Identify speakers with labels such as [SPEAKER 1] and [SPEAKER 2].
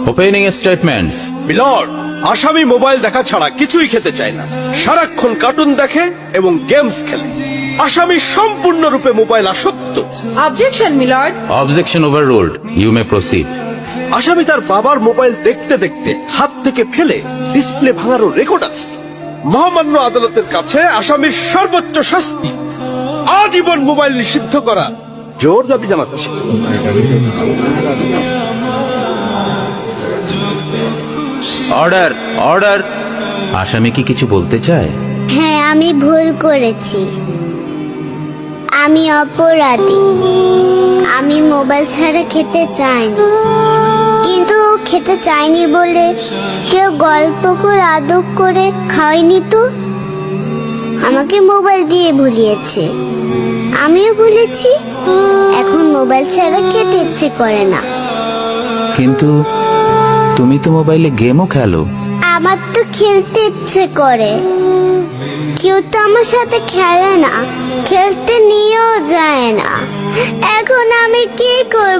[SPEAKER 1] Opening statements.
[SPEAKER 2] Milord, আসামি mobile দেখা ছাড়া কিছুই খেতে চায় না, সারাক্ষণ কার্টুন দেখে এবং গেমস খেলে। আসামি সম্পূর্ণরূপে মোবাইল আসক্ত।
[SPEAKER 3] Objection milord.
[SPEAKER 1] Objection overruled, you may proceed.
[SPEAKER 2] আসামি তার বাবার মোবাইল দেখতে দেখতে হাত থেকে ফেলে ডিসপ্লে ভাঙারও রেকর্ড আছে। মহামান্য আদালতের কাছে আসামির সর্বোচ্চ শাস্তি আজীবন মোবাইল নিষিদ্ধ করা জোর দাবি জানাচ্ছে।
[SPEAKER 1] Order, order. আসামি কি কিছু বলতে চায়?
[SPEAKER 4] হ্যাঁ, আমি ভুল করেছি, আমি অপরাধী। আমি মোবাইল ছাড়া খেতে চাইনি, কিন্তু খেতে চাইনি বলে কেউ গল্প করে আদর করে খাওয়াইনি তো। আমাকে মোবাইল দিয়ে ভুলিয়েছে, আমিও ভুলেছি। এখন মোবাইল ছাড়া খেতে ইচ্ছে করে না।
[SPEAKER 1] কিন্তু তুমি তো মোবাইলে গেমও খেলো।
[SPEAKER 4] আমার তো খেলতে ইচ্ছে করে, কেউ তো আমার সাথে খেলে না, খেলতে নিয়েও যায় না। এখন আমি কি করব